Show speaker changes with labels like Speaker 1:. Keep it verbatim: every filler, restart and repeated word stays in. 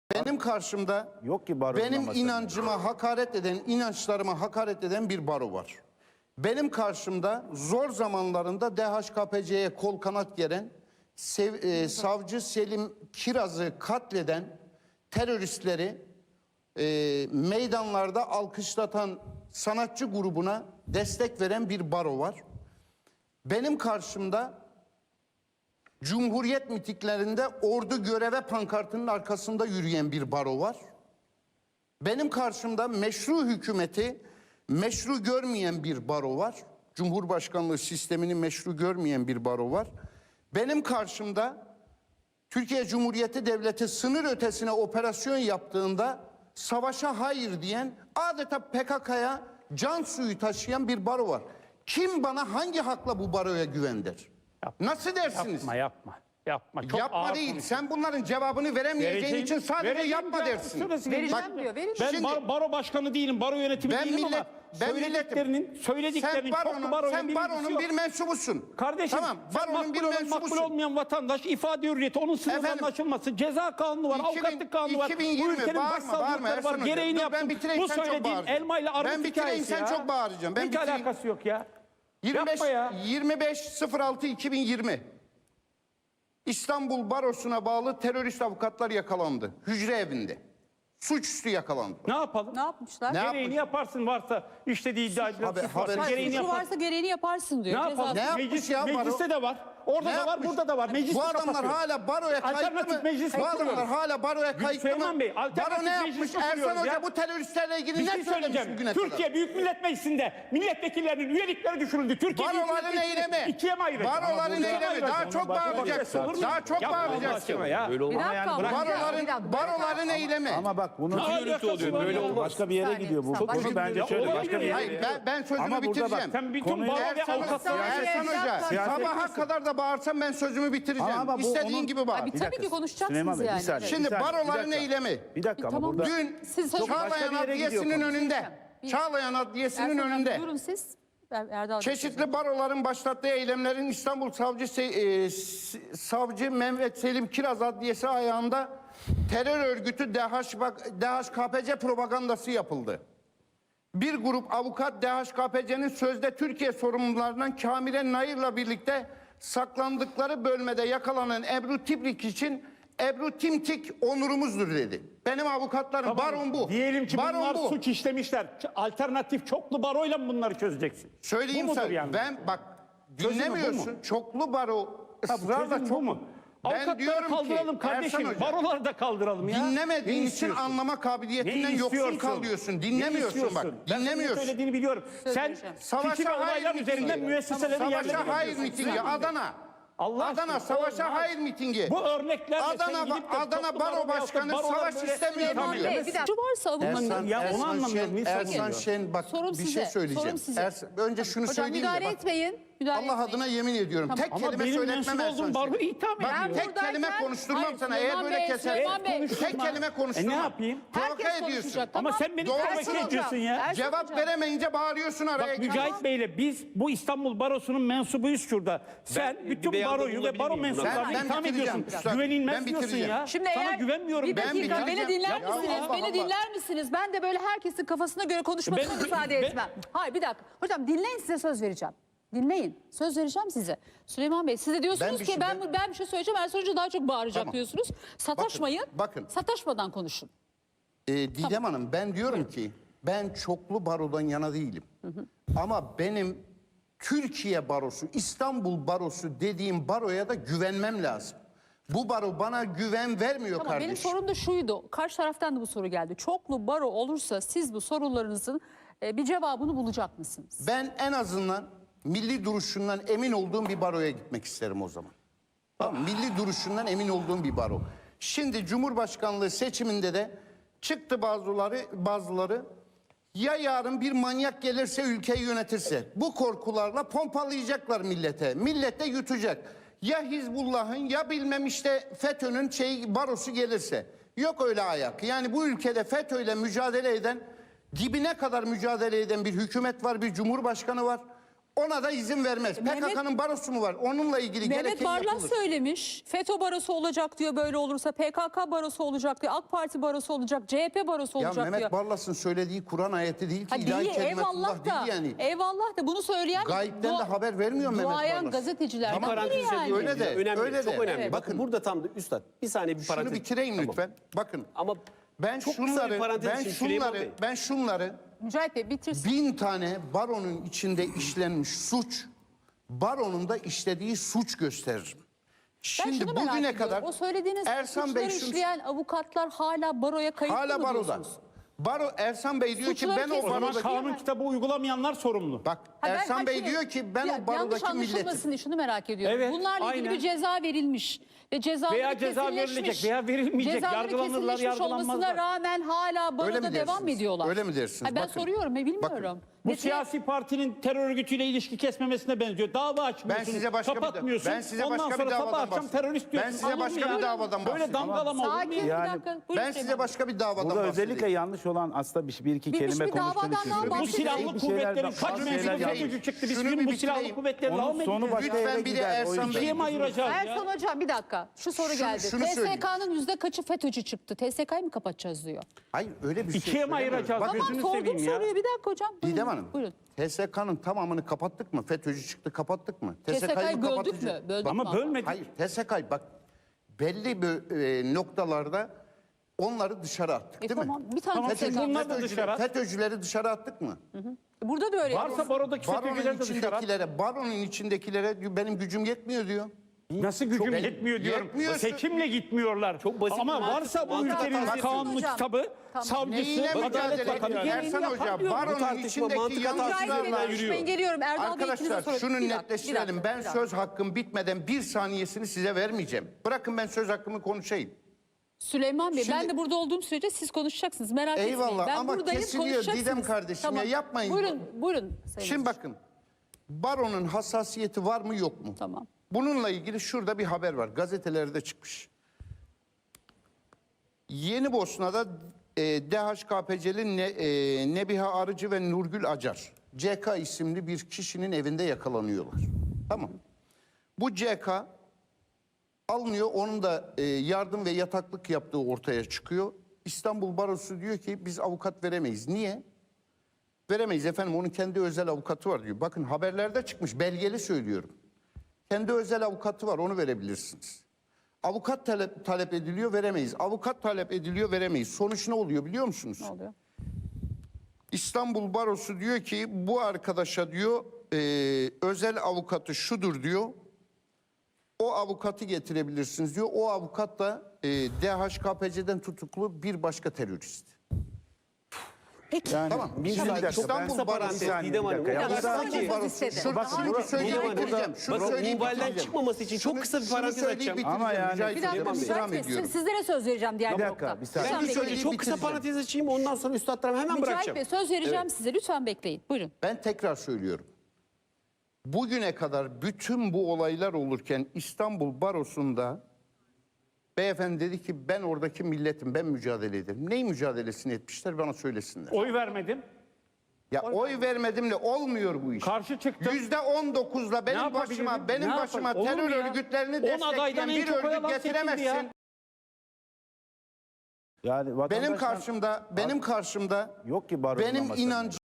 Speaker 1: Benim karşımda
Speaker 2: Yok ki baro
Speaker 1: benim
Speaker 2: uygulaması.
Speaker 1: inancıma hakaret eden, inançlarıma hakaret eden bir baro var. Benim karşımda zor zamanlarında D H K P C'ye kol kanat geren, sev, e, savcı Selim Kiraz'ı katleden teröristleri e, meydanlarda alkışlatan sanatçı grubuna destek veren bir baro var. Benim karşımda Cumhuriyet mitiklerinde ordu göreve pankartının arkasında yürüyen bir baro var. Benim karşımda meşru hükümeti meşru görmeyen bir baro var. Cumhurbaşkanlığı sistemini meşru görmeyen bir baro var. Benim karşımda Türkiye Cumhuriyeti Devleti sınır ötesine operasyon yaptığında savaşa hayır diyen, adeta P K K'ya can suyu taşıyan bir baro var. Kim bana hangi hakla bu baroya güvendir?
Speaker 3: Yapma.
Speaker 1: Nasıl dersiniz?
Speaker 3: Yapma yapma. Yapma. Çok
Speaker 1: Yapma
Speaker 3: ağır
Speaker 1: değil.
Speaker 3: konuş.
Speaker 1: Sen bunların cevabını veremeyeceğin
Speaker 3: Vereceğim-
Speaker 1: için sadece
Speaker 3: vereceğim
Speaker 1: yapma
Speaker 3: cevabı
Speaker 1: dersin.
Speaker 3: sırası
Speaker 4: Vereceğim
Speaker 3: gelecek.
Speaker 4: diyor. Verin.
Speaker 3: Ben
Speaker 1: Şimdi-
Speaker 3: bar- baro başkanı değilim, baro yönetimi
Speaker 1: Ben
Speaker 3: değilim
Speaker 1: millet,
Speaker 3: ama
Speaker 1: ben
Speaker 3: söylediklerinin,
Speaker 1: milletim.
Speaker 3: söylediklerinin
Speaker 1: Sen
Speaker 3: çoklu
Speaker 1: baronun,
Speaker 3: baroyla
Speaker 1: sen
Speaker 3: bir ilgisi
Speaker 1: baronun
Speaker 3: yok.
Speaker 1: bir mensubusun.
Speaker 3: Kardeşim,
Speaker 1: Tamam,
Speaker 3: sen
Speaker 1: baronun bir
Speaker 3: makbul olan, makbul
Speaker 1: mensubusun.
Speaker 3: olmayan vatandaş, ifade hürriyeti, onun sınırlarının
Speaker 1: Efendim,
Speaker 3: açılması, ceza kanunu var,
Speaker 1: iki bin
Speaker 3: avukatlık kanunu var.
Speaker 1: iki bin
Speaker 3: Bu
Speaker 1: yirmi,
Speaker 3: ülkenin
Speaker 1: bağırma, bağırma
Speaker 3: başsavcılıkları var,
Speaker 1: Ersan Hoca.
Speaker 3: gereğini
Speaker 1: Dur,
Speaker 3: yaptım.
Speaker 1: ben bitireyim,
Speaker 3: Bu
Speaker 1: sen çok
Speaker 3: söylediğin
Speaker 1: bağıracaksın.
Speaker 3: elma ile armut
Speaker 1: Ben bitireyim,
Speaker 3: hikayesi
Speaker 1: sen
Speaker 3: ya.
Speaker 1: çok bağıracaksın. Ben
Speaker 3: Hiç
Speaker 1: bitireyim.
Speaker 3: alakası yok ya.
Speaker 1: yirmi beş,
Speaker 3: Yapma ya.
Speaker 1: yirmi beş sıfır altı iki bin yirmi İstanbul Barosu'na bağlı terörist avukatlar yakalandı. Hücre evinde. Suçüstü yakalandı.
Speaker 3: Ne yapalım?
Speaker 4: Ne yapmışlar?
Speaker 1: Ne
Speaker 3: Gereğini
Speaker 1: yapmış?
Speaker 3: yaparsın varsa işlediği iddia edilen
Speaker 1: Haber-
Speaker 3: suç varsa
Speaker 1: haber-
Speaker 3: gereğini
Speaker 4: Suçu
Speaker 3: yaparsın.
Speaker 4: varsa gereğini yaparsın diyor.
Speaker 3: Ne yapalım?
Speaker 1: Ne yapmış
Speaker 3: Meclis,
Speaker 1: ya baro?
Speaker 3: mecliste de var. Orada
Speaker 1: Ne
Speaker 3: da var,
Speaker 1: yapmış?
Speaker 3: burada da var. Meclis
Speaker 1: Bu
Speaker 3: de
Speaker 1: adamlar
Speaker 3: kapatıyor.
Speaker 1: hala baroya kayıtlı
Speaker 3: Alternatif
Speaker 1: mı?
Speaker 3: meclis
Speaker 1: Bu adamlar
Speaker 3: kuruyoruz.
Speaker 1: hala baroya kayıtlı
Speaker 3: Süleyman
Speaker 1: mı?
Speaker 3: Bey, alternatif
Speaker 1: Baro ne yapmış?
Speaker 3: meclis
Speaker 1: Ersan
Speaker 3: kuruyoruz
Speaker 1: Hoca
Speaker 3: ya.
Speaker 1: bu teröristlerle ilgili
Speaker 3: Bir
Speaker 1: ne
Speaker 3: şey
Speaker 1: söylemiş
Speaker 3: söyleyeceğim.
Speaker 1: bugüne
Speaker 3: Türkiye
Speaker 1: kadar?
Speaker 3: Büyük Millet Meclisi'nde milletvekillerinin üyelikleri düşürüldü. Türkiye Büyük
Speaker 1: Baroların
Speaker 3: Millet Meclisi
Speaker 1: eylemi.
Speaker 3: ikiye mi ayrılacak?
Speaker 1: Baroların
Speaker 3: Ama burada-
Speaker 1: eylemi. Daha çok bağıracaksın.
Speaker 3: Olur mu?
Speaker 1: Daha çok
Speaker 3: Yapma Allah
Speaker 1: bağıracaksın.
Speaker 3: aşkına ya.
Speaker 2: Böyle
Speaker 4: Bir
Speaker 2: olmaz.
Speaker 4: dakika.
Speaker 3: yani
Speaker 4: bir
Speaker 3: bırak-
Speaker 4: dakika,
Speaker 1: Baroların,
Speaker 4: bir dakika.
Speaker 1: baroların eylemi.
Speaker 2: Ama bak bunun
Speaker 3: Ne alakası
Speaker 2: oluyor.
Speaker 3: var
Speaker 2: Böyle
Speaker 3: ya?
Speaker 2: olmaz. Başka bir yere
Speaker 4: Saniye,
Speaker 2: gidiyor bu.
Speaker 4: sen başka
Speaker 2: Bu
Speaker 4: bir
Speaker 2: bence
Speaker 3: yere-
Speaker 2: şöyle.
Speaker 3: Olabilir
Speaker 2: Başka bir
Speaker 3: ya.
Speaker 2: yere
Speaker 1: Hayır, ben, ben sözümü
Speaker 2: Ama burada bak,
Speaker 1: bitireceğim.
Speaker 3: Sen bütün
Speaker 2: Konuyu-
Speaker 3: baro ve
Speaker 1: Ersan,
Speaker 3: avukatlar...
Speaker 4: Saniye,
Speaker 1: Ersan
Speaker 4: bir
Speaker 1: Hoca,
Speaker 4: dakika.
Speaker 1: sabaha kadar da bağırsam ben sözümü bitireceğim.
Speaker 2: Ama- ama bu
Speaker 1: İstediğin
Speaker 2: onun-
Speaker 1: gibi bağır.
Speaker 4: Abi, tabii
Speaker 2: dakika.
Speaker 4: ki konuşacaksınız
Speaker 2: Süleyman Bey, bir
Speaker 4: yani.
Speaker 2: saniye.
Speaker 1: Şimdi
Speaker 2: Bir saniye, bir
Speaker 1: baroların
Speaker 2: dakika.
Speaker 1: eylemi.
Speaker 2: Bir dakika ama
Speaker 4: Tamam.
Speaker 2: burada...
Speaker 1: Dün
Speaker 4: Siz söz-
Speaker 1: Çağlayan
Speaker 2: başka bir yere gidiyor
Speaker 1: Adliyesi'nin
Speaker 2: konu.
Speaker 1: önünde.
Speaker 4: Bir-
Speaker 1: Çağlayan Adliyesi'nin
Speaker 4: Ersan Hocam,
Speaker 1: önünde.
Speaker 4: Durun siz. Er- Erdal Bey.
Speaker 1: Çeşitli baroların başlattığı eylemlerin İstanbul Savcı Se- e, S- Savcı Mehmet Selim Kiraz Adliyesi ayağında terör örgütü D H bak- D H K P C propagandası yapıldı. Bir grup avukat D H K P C'nin sözde Türkiye sorumlularından Kamile Nayır'la birlikte saklandıkları bölmede yakalanan Ebru Tibrik için Ebru Timtik onurumuzdur dedi. Benim avukatlarım,
Speaker 3: Tamam,
Speaker 1: baron bu.
Speaker 3: Diyelim ki
Speaker 1: baron
Speaker 3: bunlar
Speaker 1: bu.
Speaker 3: suç işlemişler. Alternatif çoklu baroyla mı bunları çözeceksin?
Speaker 1: Söyleyeyim
Speaker 3: Bu mudur
Speaker 1: sana.
Speaker 3: yani?
Speaker 1: Ben bak
Speaker 3: Çözümü bu
Speaker 1: dinlemiyorsun.
Speaker 3: mu?
Speaker 1: Çoklu baro ısrarla
Speaker 3: Çözüm bu
Speaker 1: çok
Speaker 3: mu?
Speaker 1: Ben
Speaker 3: Avukatları
Speaker 1: diyorum
Speaker 3: kaldıralım
Speaker 1: ki
Speaker 3: kardeşim.
Speaker 1: Ersan Hoca,
Speaker 3: Baroları da kaldıralım ya.
Speaker 1: dinlemediğin
Speaker 3: Ne
Speaker 1: için
Speaker 3: istiyorsun?
Speaker 1: anlama kabiliyetinden
Speaker 3: Ne
Speaker 1: yoksun
Speaker 3: istiyorsun?
Speaker 1: kalıyorsun.
Speaker 3: Ne
Speaker 1: Dinlemiyorsun bak.
Speaker 3: istiyorsun? Ben senin ne
Speaker 1: Dinlemiyorsun.
Speaker 3: söylediğini biliyorum.
Speaker 4: Söz
Speaker 3: Sen
Speaker 4: vereceğim.
Speaker 1: Savaşa
Speaker 3: kişi ve
Speaker 1: hayır
Speaker 3: olaylar
Speaker 1: mitingi.
Speaker 3: üzerinden müesseseleri yerle
Speaker 1: Savaşa
Speaker 3: bir
Speaker 1: hayır
Speaker 3: ediyorsun.
Speaker 1: mitingi.
Speaker 3: Süleyman Bey.
Speaker 1: Adana.
Speaker 3: Allah
Speaker 1: Adana
Speaker 3: aşkına,
Speaker 1: savaşa
Speaker 3: olmaz.
Speaker 1: hayır mitingi.
Speaker 3: Bu örneklerle
Speaker 1: Adana-
Speaker 3: sen gidip de
Speaker 1: Adana
Speaker 3: toplu
Speaker 1: Baro
Speaker 3: baro veyahut
Speaker 1: Başkanı
Speaker 3: barolar
Speaker 1: savaş
Speaker 3: böyle-
Speaker 1: istemiyor
Speaker 3: Tamam,
Speaker 1: diyor.
Speaker 4: Bey,
Speaker 3: demez.
Speaker 4: bir dakika. Şu varsa avukatın.
Speaker 1: Ersan,
Speaker 3: Ya onu
Speaker 1: Ersan
Speaker 3: anlamıyorum.
Speaker 1: Şen,
Speaker 3: Niye
Speaker 1: Ersan
Speaker 3: savunuyor?
Speaker 1: Şen bak
Speaker 4: Sorum
Speaker 1: bir
Speaker 4: size,
Speaker 1: şey söyleyeceğim.
Speaker 4: sorum size.
Speaker 1: Ersan, önce şunu
Speaker 4: Hocam
Speaker 1: söyleyeyim
Speaker 4: müdahale
Speaker 1: de bak.
Speaker 4: etmeyin. Müdahale
Speaker 1: Allah
Speaker 4: etmeyin.
Speaker 1: adına yemin ediyorum.
Speaker 4: Tamam.
Speaker 1: Tek
Speaker 3: Ama
Speaker 1: kelime
Speaker 3: benim
Speaker 1: söyletmem
Speaker 3: mensup
Speaker 1: Ersan
Speaker 3: olduğum
Speaker 1: Şen.
Speaker 3: baro itham
Speaker 1: Bak
Speaker 3: ediyor.
Speaker 1: tek kelime
Speaker 4: buradayken-
Speaker 1: konuşturmam
Speaker 4: Hayır,
Speaker 1: sana. Eğer
Speaker 4: Süleyman
Speaker 1: böyle
Speaker 4: Bey,
Speaker 1: keser.
Speaker 4: Süleyman Bey.
Speaker 1: Tek kelime konuşturma.
Speaker 3: E ne yapayım?
Speaker 1: Provoke
Speaker 4: Herkes
Speaker 1: ediyorsun.
Speaker 4: konuşacak.
Speaker 3: Ama
Speaker 4: Tamam.
Speaker 3: sen beni
Speaker 1: Doğru
Speaker 3: provoke
Speaker 1: söylüyorsun.
Speaker 3: ediyorsun ya.
Speaker 4: Ersan
Speaker 1: Cevap
Speaker 4: Hocam.
Speaker 1: veremeyince bağırıyorsun araya.
Speaker 3: Bak Mücahit Bey'le biz bu İstanbul Barosu'nun mensubuyuz şurada. Sen
Speaker 5: bir
Speaker 3: bütün
Speaker 5: beyanda
Speaker 3: baroyu ve
Speaker 5: bulunabilir
Speaker 3: baro
Speaker 5: miyim buna?
Speaker 3: mensuplarını
Speaker 1: Ben- ben
Speaker 3: itham
Speaker 1: bitireceğim.
Speaker 3: ediyorsun.
Speaker 1: Üstad,
Speaker 3: Güvenilmez
Speaker 1: ben
Speaker 3: diyorsun
Speaker 1: bitireceğim.
Speaker 3: ya.
Speaker 4: Şimdi
Speaker 3: Sana
Speaker 4: eğer
Speaker 3: güvenmiyorum.
Speaker 4: bir
Speaker 1: Ben
Speaker 4: dakika beni
Speaker 1: bitireceğim.
Speaker 4: dinler
Speaker 1: Ya
Speaker 4: misiniz?
Speaker 1: Allah
Speaker 4: Beni
Speaker 1: Allah.
Speaker 4: dinler misiniz? Ben de böyle herkesin kafasına göre konuşmasına
Speaker 3: Ben-
Speaker 4: müsaade
Speaker 3: ben-
Speaker 4: etmem. Hayır bir dakika. Hocam dinleyin, size söz vereceğim. Dinleyin. Söz vereceğim size. Süleyman Bey siz de diyorsunuz
Speaker 1: Ben bir
Speaker 4: ki
Speaker 1: şey-
Speaker 4: ben,
Speaker 1: ben-
Speaker 4: ben bir şey söyleyeceğim. Ersan Hoca daha çok bağıracak
Speaker 1: Tamam.
Speaker 4: diyorsunuz. Sataşmayın.
Speaker 1: Bakın, bakın.
Speaker 4: Sataşmadan konuşun.
Speaker 1: Ee, Didem Hanım ben diyorum ki ben çoklu barodan yana değilim. Ama benim Türkiye barosu, İstanbul barosu dediğim baroya da güvenmem lazım. Bu baro bana güven vermiyor
Speaker 4: Ama
Speaker 1: kardeşim.
Speaker 4: benim sorum da şuydu. Karşı taraftan da bu soru geldi. Çoklu baro olursa siz bu sorularınızın e, bir cevabını bulacak mısınız?
Speaker 1: Ben en azından milli duruşundan emin olduğum bir baroya gitmek isterim o zaman. Tamam, milli duruşundan emin olduğum bir baro. Şimdi Cumhurbaşkanlığı seçiminde de çıktı bazıları bazıları ya yarın bir manyak gelirse ülkeyi yönetirse bu korkularla pompalayacaklar millete. Millet de yutacak. Ya Hizbullah'ın ya bilmem işte FETÖ'nün şey barosu gelirse. Yok öyle ayak. Yani bu ülkede FETÖ'yle mücadele eden, dibine kadar mücadele eden bir hükümet var, bir cumhurbaşkanı var. Ona da izin vermez.
Speaker 4: Mehmet-
Speaker 1: P K K'nın barosu mu var? Onunla ilgili
Speaker 4: Mehmet
Speaker 1: gereken
Speaker 4: Barlas
Speaker 1: yapılır.
Speaker 4: söylemiş. FETÖ barosu olacak diyor böyle olursa. P K K barosu olacak diyor. AK Parti barosu olacak. C H P barosu
Speaker 1: Ya
Speaker 4: olacak
Speaker 1: Mehmet
Speaker 4: diyor.
Speaker 1: Barlas'ın söylediği Kur'an ayeti değil ki.
Speaker 4: Ha,
Speaker 1: İlahi
Speaker 4: değil,
Speaker 1: kelimetullah
Speaker 4: eyvallah da.
Speaker 1: değil yani.
Speaker 4: Eyvallah da bunu söyleyen
Speaker 1: Gayipten
Speaker 4: dua-
Speaker 1: de haber vermiyor Mehmet
Speaker 4: duayen
Speaker 1: Barlas.
Speaker 4: gazetecilerden
Speaker 1: Tamam,
Speaker 4: biri
Speaker 2: Parantez
Speaker 4: yani.
Speaker 2: yani.
Speaker 1: Öyle de,
Speaker 2: önemli,
Speaker 1: öyle
Speaker 2: çok
Speaker 1: de.
Speaker 2: önemli.
Speaker 4: Evet.
Speaker 2: Bakın burada tam da üstad bir saniye bir
Speaker 1: Şunu
Speaker 2: parantez.
Speaker 1: bitireyim
Speaker 2: Tamam.
Speaker 1: lütfen. Bakın.
Speaker 2: Ama
Speaker 1: Ben
Speaker 2: çok kısa bir
Speaker 1: şunları,
Speaker 2: parantez
Speaker 1: ben
Speaker 2: için Süleyman
Speaker 1: şunları,
Speaker 2: Bey.
Speaker 1: ben şunları
Speaker 4: Mücahit Bey bitirsin.
Speaker 1: bin tane baronun içinde işlenmiş suç, baronun da işlediği suç gösteririm.
Speaker 4: Ben
Speaker 1: Şimdi
Speaker 4: şunu merak
Speaker 1: bugüne
Speaker 4: ediyorum.
Speaker 1: kadar
Speaker 4: o söylediğiniz
Speaker 1: Ersan
Speaker 4: suçları
Speaker 1: Bey şunu,
Speaker 4: işleyen avukatlar hala baroya kayıtlı
Speaker 1: hala
Speaker 4: mı
Speaker 1: baroda.
Speaker 4: diyorsunuz?
Speaker 1: Baro Ersan Bey diyor ki
Speaker 4: Suçları
Speaker 1: ben o
Speaker 3: O zaman
Speaker 4: kesin-
Speaker 1: barodaki
Speaker 3: kanun kitabı uygulamayanlar sorumlu.
Speaker 1: bak
Speaker 4: Ha, ben-
Speaker 1: Ersan
Speaker 4: ha,
Speaker 1: Bey
Speaker 4: şunu-
Speaker 1: diyor ki ben
Speaker 4: Ya-
Speaker 1: o
Speaker 4: yanlış
Speaker 1: barodaki
Speaker 4: anlaşılmasın
Speaker 1: milletim.
Speaker 4: diye şunu merak ediyorum.
Speaker 3: Evet,
Speaker 4: Bunlarla ilgili
Speaker 3: aynen.
Speaker 4: bir ceza verilmiş ve cezaları
Speaker 3: Veya ceza
Speaker 4: kesinleşmiş.
Speaker 3: verilecek veya verilmeyecek.
Speaker 4: Cezaları
Speaker 3: Yargılanırlar,
Speaker 4: kesinleşmiş olmasına
Speaker 3: yargılanmazlar.
Speaker 4: rağmen hala
Speaker 1: Öyle
Speaker 4: baroda
Speaker 1: mi
Speaker 4: devam
Speaker 1: dersiniz?
Speaker 4: mı ediyorlar?
Speaker 1: Öyle mi dersiniz?
Speaker 4: Ha, ben
Speaker 1: Bakın,
Speaker 4: soruyorum ve bilmiyorum.
Speaker 3: Bu
Speaker 4: Mesela-
Speaker 3: siyasi partinin terör örgütüyle ilişki kesmemesine benziyor. Dava açmıyorsun,
Speaker 1: Ben size başka bir da-
Speaker 3: kapatmıyorsun.
Speaker 1: ben size
Speaker 3: Ondan
Speaker 1: başka bir
Speaker 3: sonra sabah
Speaker 1: davadan
Speaker 3: akşam
Speaker 1: bahsedeyim.
Speaker 3: terörist diyorsun.
Speaker 1: Ben size
Speaker 3: Olur mu
Speaker 1: başka
Speaker 3: ya?
Speaker 1: bir davadan
Speaker 3: Böyle
Speaker 1: bahsedeyim.
Speaker 3: damgalama olur mu?
Speaker 4: Sakin
Speaker 3: ya?
Speaker 4: bir
Speaker 5: Yani-
Speaker 4: dakika. Buyurun
Speaker 1: Ben size
Speaker 4: Süleyman.
Speaker 1: başka bir davadan
Speaker 5: Burada
Speaker 1: bahsedeyim.
Speaker 5: özellikle yanlış olan aslında bir, bir iki
Speaker 4: Bir-
Speaker 5: kelime
Speaker 4: bir
Speaker 5: konuştuğunu
Speaker 4: davadan daha
Speaker 5: düşünüyorum.
Speaker 3: Bu
Speaker 4: bahsedelim.
Speaker 3: silahlı
Speaker 5: Bir şeyler-
Speaker 3: kuvvetlerin
Speaker 5: bazı
Speaker 3: kaç
Speaker 5: şeyler
Speaker 3: mensili
Speaker 5: yanlış.
Speaker 3: FETÖ'cü çıktı. Biz
Speaker 1: Şunu
Speaker 3: gün
Speaker 1: bir
Speaker 3: bu silahlı
Speaker 1: bitireyim.
Speaker 3: kuvvetleri
Speaker 5: Onun
Speaker 3: devam
Speaker 5: sonu
Speaker 3: edeceğiz
Speaker 5: başka
Speaker 3: ya.
Speaker 5: yere
Speaker 1: Lütfen bir de
Speaker 5: gider, o
Speaker 1: Ersan
Speaker 5: yüzden.
Speaker 1: Bey.
Speaker 3: İkiye mi ayıracağız ya?
Speaker 4: Ersan Hocam bir dakika. Şu soru
Speaker 1: Şunu-
Speaker 4: geldi.
Speaker 1: şunu söyleyeyim.
Speaker 4: T S K'nın yüzde kaçı FETÖ'cü çıktı? T S K'yı mı kapatacağız diyor.
Speaker 1: Hayır öyle bir şey
Speaker 3: İkiye mi
Speaker 1: söylemiyorum.
Speaker 3: ayıracağız?
Speaker 1: Bakın,
Speaker 4: Tamam
Speaker 3: Gözünü
Speaker 4: sordum
Speaker 3: seveyim ya.
Speaker 4: soruyu bir dakika hocam. Buyurun.
Speaker 1: Didem Hanım,
Speaker 4: Buyurun.
Speaker 1: T S K'nın tamamını kapattık mı? FETÖ'cü çıktı kapattık mı?
Speaker 4: T S K'yı
Speaker 1: mı
Speaker 4: böldük
Speaker 1: kapatacağız?
Speaker 4: mü? Böldük
Speaker 3: Ama
Speaker 4: mü?
Speaker 3: bölmedik.
Speaker 1: Hayır, T S K'yı bak belli bir e, noktalarda onları dışarı attık
Speaker 4: E
Speaker 1: değil
Speaker 4: tamam,
Speaker 1: mi?
Speaker 4: bir tane
Speaker 3: Tamam,
Speaker 4: T S K.
Speaker 3: siz bunlar da
Speaker 1: FETÖ'cüleri-
Speaker 3: dışarı at.
Speaker 1: FETÖ'cüleri dışarı attık mı?
Speaker 4: Burada da öyle.
Speaker 3: Varsa
Speaker 4: yapıyoruz.
Speaker 3: barodaki
Speaker 1: Baronun
Speaker 3: FETÖ'cüleri de dışarı at.
Speaker 1: içindekilere, baronun içindekilere benim gücüm yetmiyor diyor.
Speaker 3: Nasıl gücüm
Speaker 1: Çok-
Speaker 3: yetmiyor diyorum.
Speaker 1: Yetmiyorsa-
Speaker 3: Seçimle gitmiyorlar.
Speaker 2: Çok basit
Speaker 3: Ama
Speaker 2: bir mantık-
Speaker 3: varsa bu
Speaker 2: mantık
Speaker 3: ülkenin
Speaker 1: hatası.
Speaker 3: kanunu
Speaker 4: Hocam,
Speaker 3: kitabı,
Speaker 4: tamam.
Speaker 3: savcısı,
Speaker 1: Neyle
Speaker 3: Adalet
Speaker 1: mücadele
Speaker 3: Bakanı
Speaker 1: ediyor?
Speaker 3: gereğini
Speaker 1: Ersan
Speaker 3: yapar
Speaker 1: Hoca,
Speaker 3: diyorum.
Speaker 1: baronun
Speaker 2: tartışma,
Speaker 1: içindeki
Speaker 2: mantık hatası
Speaker 4: Mücahit Bey,
Speaker 1: yanlışlarla
Speaker 2: yürüyor.
Speaker 4: konuşmayın, geliyorum. Erdal Bey ikinize
Speaker 1: Arkadaşlar
Speaker 4: soruyorum.
Speaker 1: şunu
Speaker 4: Bir dakika, bir
Speaker 1: netleştirelim.
Speaker 4: dakika,
Speaker 1: Ben
Speaker 4: bir dakika.
Speaker 1: söz hakkım bitmeden bir saniyesini size vermeyeceğim. Bırakın ben söz hakkımı konuşayım.
Speaker 4: Süleyman Bey ben
Speaker 1: Şimdi-
Speaker 4: de burada olduğum sürece siz konuşacaksınız. Merak etmeyin.
Speaker 1: Eyvallah
Speaker 4: Ben
Speaker 1: ama
Speaker 4: buradayım,
Speaker 1: kesiliyor
Speaker 4: konuşacaksınız.
Speaker 1: Didem kardeşim ya, yapmayın.
Speaker 4: Buyurun, buyurun. Sayın
Speaker 1: Şimdi
Speaker 4: Hocam.
Speaker 1: bakın. Baronun hassasiyeti var mı yok mu?
Speaker 4: Tamam.
Speaker 1: Bununla ilgili şurada bir haber var. Gazetelerde çıkmış. Yeni Bosna'da e, D H K P C'li ne, e, Nebiha Arıcı ve Nurgül Acar C K isimli bir kişinin evinde yakalanıyorlar. Tamam. Bu C K alınıyor. Onun da e, yardım ve yataklık yaptığı ortaya çıkıyor. İstanbul Barosu diyor ki biz avukat veremeyiz. Niye? Veremeyiz efendim, onun kendi özel avukatı var diyor. Bakın haberlerde çıkmış, belgeli söylüyorum. Kendi özel avukatı var, onu verebilirsiniz. Avukat talep, talep ediliyor, veremeyiz. Avukat talep ediliyor, veremeyiz. Sonuç ne oluyor biliyor musunuz?
Speaker 4: Ne oluyor?
Speaker 1: İstanbul Barosu diyor ki bu arkadaşa diyor e, özel avukatı şudur diyor. O avukatı getirebilirsiniz diyor. O avukat da e, D H K P C'den tutuklu bir başka terörist.
Speaker 4: Peki.
Speaker 5: Yani,
Speaker 1: Tamam.
Speaker 5: bir
Speaker 1: Şimdi
Speaker 5: dakika,
Speaker 1: İstanbul
Speaker 5: ben-
Speaker 2: Kısa
Speaker 1: Barosu-
Speaker 2: parantez
Speaker 5: Bir saniye,
Speaker 2: Didem
Speaker 5: bir
Speaker 2: Hanım.
Speaker 5: dakika.
Speaker 2: O
Speaker 5: Ya
Speaker 2: kadar
Speaker 5: burada-
Speaker 2: kısa ki.
Speaker 4: İstanbul istedi.
Speaker 1: Şunu,
Speaker 4: Daha
Speaker 1: şunu
Speaker 4: önce-
Speaker 1: söyleyeyim
Speaker 2: Didem Hanım,
Speaker 1: bitireceğim. Şunu
Speaker 2: bakın
Speaker 1: söyleyeyim
Speaker 2: mobilden
Speaker 1: bitireceğim.
Speaker 2: çıkmaması için çok
Speaker 1: Şunu-
Speaker 2: kısa bir
Speaker 1: şunu
Speaker 2: parantez
Speaker 1: söyleyeyim,
Speaker 2: açacağım.
Speaker 1: bitireceğim.
Speaker 5: Ama yani-
Speaker 1: Mücahit
Speaker 4: Bir dakika,
Speaker 1: Hocam,
Speaker 4: Mücahit
Speaker 1: istirham
Speaker 4: Bey,
Speaker 1: ediyorum.
Speaker 4: sizlere söz vereceğim diğer
Speaker 5: Bir dakika,
Speaker 4: blokta.
Speaker 5: bir saniye.
Speaker 4: Lütfen
Speaker 2: Ben bir
Speaker 4: bekleyin.
Speaker 2: söyleyeyim, çok kısa
Speaker 1: bitireceğim.
Speaker 2: parantez açayım ondan sonra üstadlarıma hemen
Speaker 4: Mücahit
Speaker 2: bırakacağım.
Speaker 4: Bey söz vereceğim size. Lütfen bekleyin. Buyurun.
Speaker 1: Ben tekrar söylüyorum. Bugüne kadar bütün bu olaylar olurken İstanbul Barosu'nda beyefendi dedi ki ben oradaki milletim, ben mücadele ederim. Neyi mücadelesini etmişler bana söylesinler.
Speaker 3: Oy vermedim.
Speaker 1: Ya oy vermedimle olmuyor bu iş.
Speaker 3: Karşı çıktım.
Speaker 1: Yüzde on dokuzla benim
Speaker 3: yapabilirim?
Speaker 1: başıma, benim
Speaker 3: Ne
Speaker 1: başıma
Speaker 3: yapayım? Olur mu
Speaker 1: terör
Speaker 3: ya?
Speaker 1: örgütlerini
Speaker 3: On adaydan
Speaker 1: destekleyen
Speaker 3: en
Speaker 1: bir
Speaker 3: çok oy
Speaker 1: örgüt
Speaker 3: alan seçildi
Speaker 1: getiremezsin.
Speaker 3: ya.
Speaker 5: Yani
Speaker 1: Benim
Speaker 5: vatandaşlar-
Speaker 1: karşımda, benim karşımda
Speaker 5: Yok ki baro
Speaker 1: benim
Speaker 5: olmaması.
Speaker 1: inancım